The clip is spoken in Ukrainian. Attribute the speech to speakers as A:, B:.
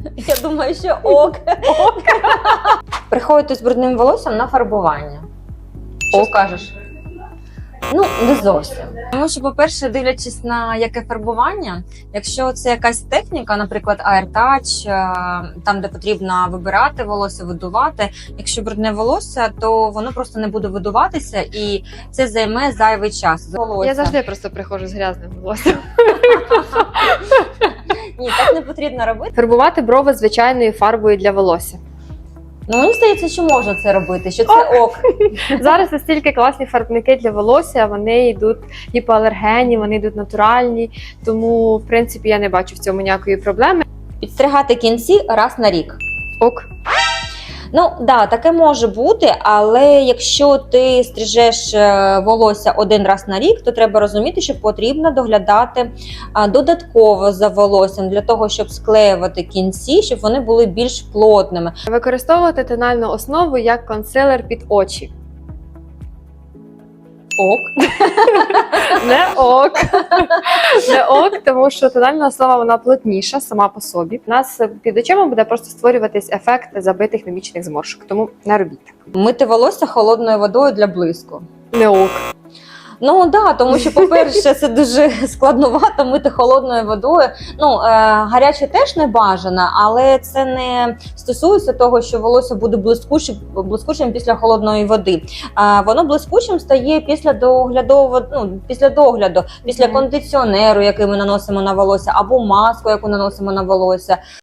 A: Я думаю, що ок. Приходити з брудним волоссям на фарбування. Що скажеш? Ну, не зовсім. Тому що, по-перше, дивлячись на яке фарбування, якщо це якась техніка, наприклад, AirTouch, там, де потрібно вибирати волосся, видувати, якщо брудне волосся, то воно просто не буде видуватися і це займе зайвий час.
B: Я завжди просто приходжу з грязним волоссям.
A: Ні, так не потрібно робити.
B: Фарбувати брови звичайною фарбою для волосся.
A: Ну, мені здається, що можна це робити, що це ок.
B: Зараз настільки класні фарбники для волосся, вони йдуть гіпоалергенні, вони йдуть натуральні, тому, в принципі, я не бачу в цьому ніякої проблеми.
A: Підстригати кінці раз на рік.
B: Ок.
A: Ну, да, таке може бути, але якщо ти стрижеш волосся один раз на рік, то треба розуміти, що потрібно доглядати додатково за волоссям для того, щоб склеювати кінці, щоб вони були більш плотними.
B: Використовувати тональну основу як консилер під очі.
A: Ок.
B: Не ок. Не ок, тому що тональна основа вона плотніша сама по собі. У нас під очима буде просто створюватись ефект забитих мімічних зморшок, тому не робіть так.
A: Мити волосся холодною водою для блиску.
B: Не ок.
A: Ну да, тому що, по-перше, це дуже складновато мити холодною водою. Ну, гаряче теж не бажано, але це не стосується того, що волосся буде блискучим після холодної води. Воно блискучим стає після догляду, після кондиціонеру, який ми наносимо на волосся, або маску, яку наносимо на волосся.